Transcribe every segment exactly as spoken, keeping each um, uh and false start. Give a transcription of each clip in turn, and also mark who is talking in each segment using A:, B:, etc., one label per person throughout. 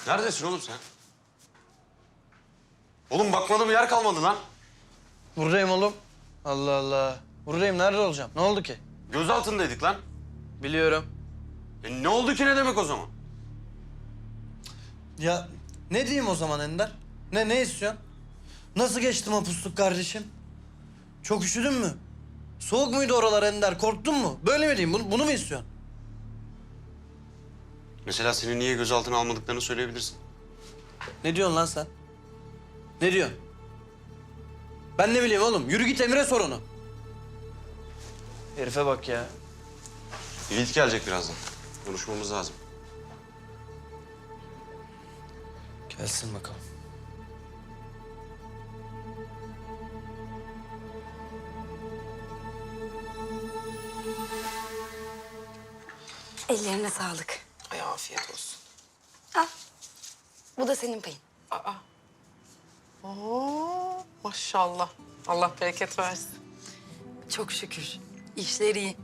A: Neredesin oğlum sen? Oğlum bakmadığım yer kalmadı lan.
B: Buradayım oğlum. Allah Allah. Buradayım. Nerede olacağım? Ne oldu ki?
A: Gözaltındaydık lan.
B: Biliyorum.
A: E ne oldu ki ne demek o zaman?
B: Ya ne diyeyim o zaman Ender? Ne ne istiyorsun? Nasıl geçtim o pusluk kardeşim? Çok üşüdün mü? Soğuk muydu oralar Ender? Korktun mu? Böyle mi diyeyim? Bunu, bunu mu istiyorsun?
A: Mesela seni niye gözaltına almadıklarını söyleyebilirsin.
B: Ne diyorsun lan sen? Ne diyorsun? Ben ne bileyim oğlum? Yürü git Emir'e sor onu. Herife bak ya.
A: Yiğit gelecek birazdan. Konuşmamız lazım.
B: Gelsin bakalım.
C: Ellerine sağlık.
D: Ay afiyet olsun.
C: Al. Bu da senin payın.
D: Aa. Oo, maşallah. Allah bereket versin.
C: Çok şükür. İşleri iyi.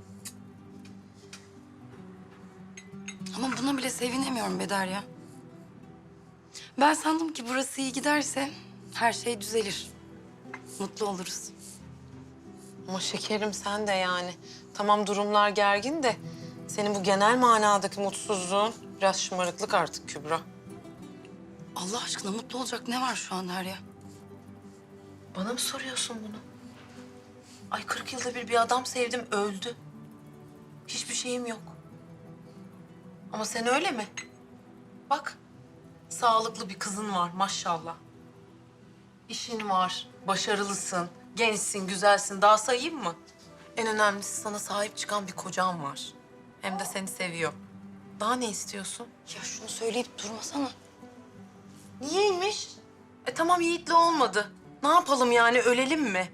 C: Ama buna bile sevinemiyorum Bedar ya. Ben sandım ki burası iyi giderse her şey düzelir. Mutlu oluruz.
D: Ama şekerim sen de yani. Tamam durumlar gergin de senin bu genel manadaki mutsuzluğun biraz şımarıklık artık Kübra.
C: Allah aşkına mutlu olacak ne var şu an Derya?
D: Bana mı soruyorsun bunu? Ay kırk yılda bir bir adam sevdim öldü. Hiçbir şeyim yok. Ama sen öyle mi? Bak sağlıklı bir kızın var maşallah. İşin var, başarılısın, gençsin, güzelsin. Daha sayayım mı? En önemlisi sana sahip çıkan bir kocan var. Hem de seni seviyor. Daha ne istiyorsun?
C: Ya şunu söyleyip durmasana.
D: Niyeymiş? E tamam Yiğit'le olmadı. Ne yapalım yani ölelim mi?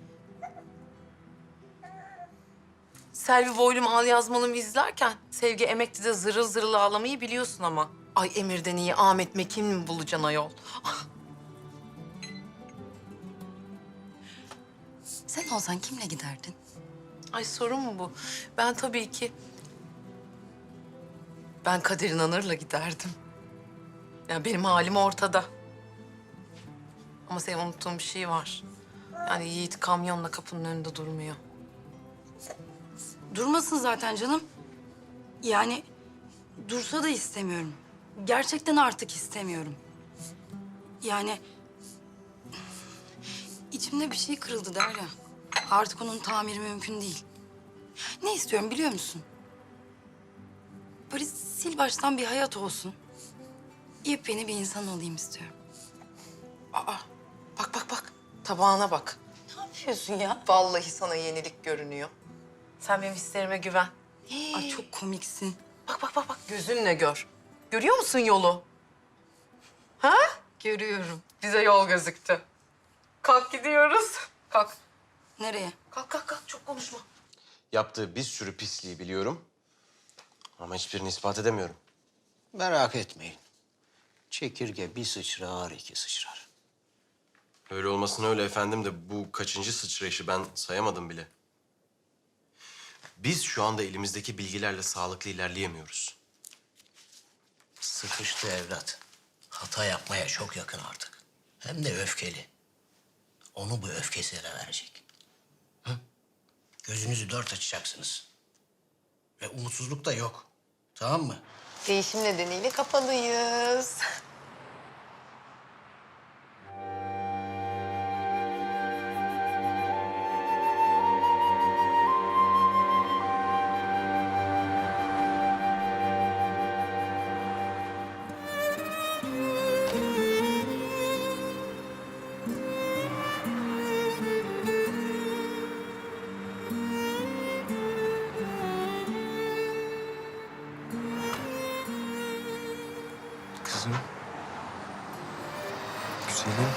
D: Selvi Boylum Al Yazmalım izlerken Sevgi Emekli'de zırıl zırıl ağlamayı biliyorsun ama. Ay Emir'den iyi Ahmet Mekin mi bulacaksın ayol?
C: Sen olsan kimle giderdin?
D: Ay sorun mu bu? Ben tabii ki... Ben Kadir İnanır'la giderdim. Ya benim halim ortada. Ama senin unuttuğun bir şey var. Yani Yiğit kamyonla kapının önünde durmuyor.
C: Durmasın zaten canım. Yani dursa da istemiyorum. Gerçekten artık istemiyorum. Yani içimde bir şey kırıldı Derya. Artık onun tamiri mümkün değil. Ne istiyorum biliyor musun? Böyle sil baştan bir hayat olsun. Yepyeni bir insan olayım istiyorum.
D: Aa, bak bak bak. Tabağına bak.
C: Ne yapıyorsun ya?
D: Vallahi sana yenilik görünüyor. Sen benim hislerime güven.
C: Ay çok komiksin.
D: Bak bak bak bak. Gözünle gör. Görüyor musun yolu? Ha?
C: Görüyorum.
D: Bize yol gözüktü. Kalk gidiyoruz. Kalk.
C: Nereye?
D: Kalk kalk kalk. Çok konuşma.
E: Yaptığı bir sürü pisliği biliyorum. Ama hiçbirini ispat edemiyorum.
F: Merak etmeyin. Çekirge bir sıçrar, iki sıçrar.
E: Öyle olmasına öyle efendim de bu kaçıncı sıçrayışı ben sayamadım bile. Biz şu anda elimizdeki bilgilerle sağlıklı ilerleyemiyoruz.
F: Sıkıştı evlat. Hata yapmaya çok yakın artık. Hem de öfkeli. Onu bu öfkesine verecek. Hı? Gözünüzü dört açacaksınız. Ve umutsuzluk da yok. Tamam mı?
D: Değişim nedeniyle kapalıyız.
A: Kızım. Güzelim.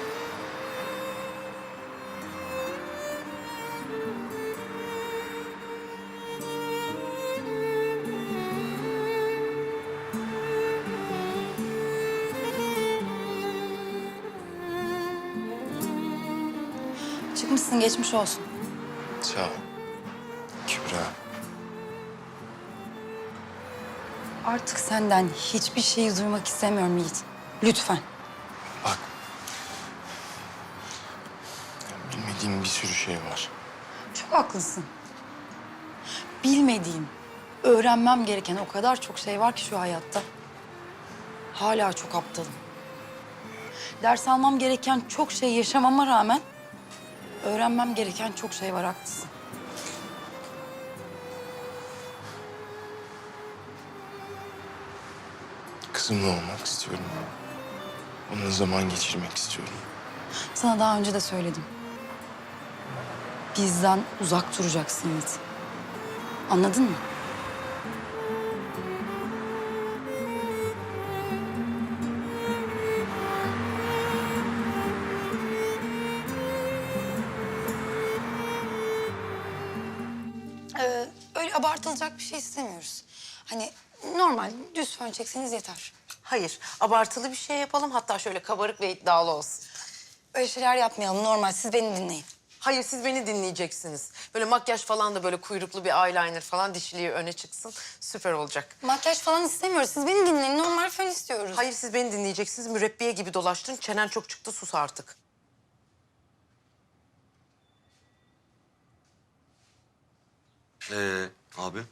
C: Çıkmışsın geçmiş olsun.
A: Sağ ol. Kübra.
C: Artık senden hiçbir şeyi duymak istemiyorum Yiğit. Lütfen.
E: Bak. Bilmediğim bir sürü şey var.
C: Çok haklısın. Bilmediğim, öğrenmem gereken o kadar çok şey var ki şu hayatta. Hala çok aptalım. Ders almam gereken çok şey yaşamama rağmen öğrenmem gereken çok şey var, haklısın.
E: Kızımla olmak istiyorum. Onunla zaman geçirmek istiyorum.
C: Sana daha önce de söyledim. Bizden uzak duracaksın Yiğit. Anladın mı? Ee, öyle abartılacak bir şey istemiyoruz. Hani normal düz fön çekseniz yeter.
D: Hayır, abartılı bir şey yapalım. Hatta şöyle kabarık ve iddialı olsun.
C: Öyle şeyler yapmayalım, normal. Siz beni dinleyin.
D: Hayır, siz beni dinleyeceksiniz. Böyle makyaj falan da böyle kuyruklu bir eyeliner falan dişiliği öne çıksın. Süper olacak.
C: Makyaj falan istemiyoruz. Siz beni dinleyin. Normal fön istiyoruz.
D: Hayır, siz beni dinleyeceksiniz. Mürebbiye gibi dolaştın. Çenen çok çıktı, sus artık.
A: Ee, abi.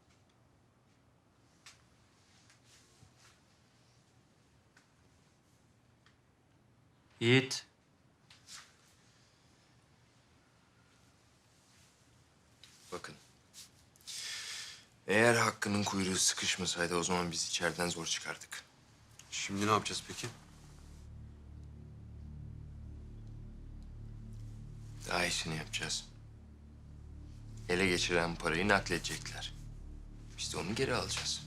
B: Yiğit.
E: Bakın. Eğer Hakkı'nın kuyruğu sıkışmasaydı o zaman biz içeriden zor çıkardık.
A: Şimdi ne yapacağız peki?
E: Daha iyisini yapacağız. Ele geçiren parayı nakledecekler. Biz de onu geri alacağız.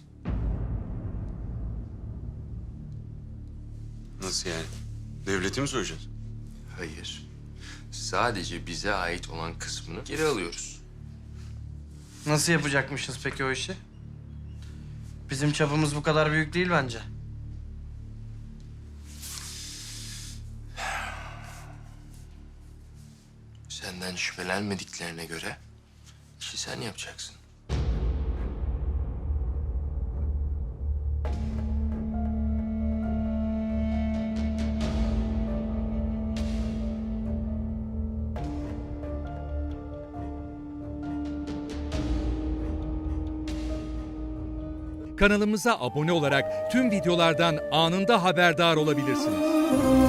A: Nasıl yani? Devleti mi soyacağız?
E: Hayır. Sadece bize ait olan kısmını geri alıyoruz.
B: Nasıl yapacakmışız peki o işi? Bizim çapımız bu kadar büyük değil bence.
E: Senden şüphelenmediklerine göre işi sen yapacaksın.
G: Kanalımıza abone olarak tüm videolardan anında haberdar olabilirsiniz.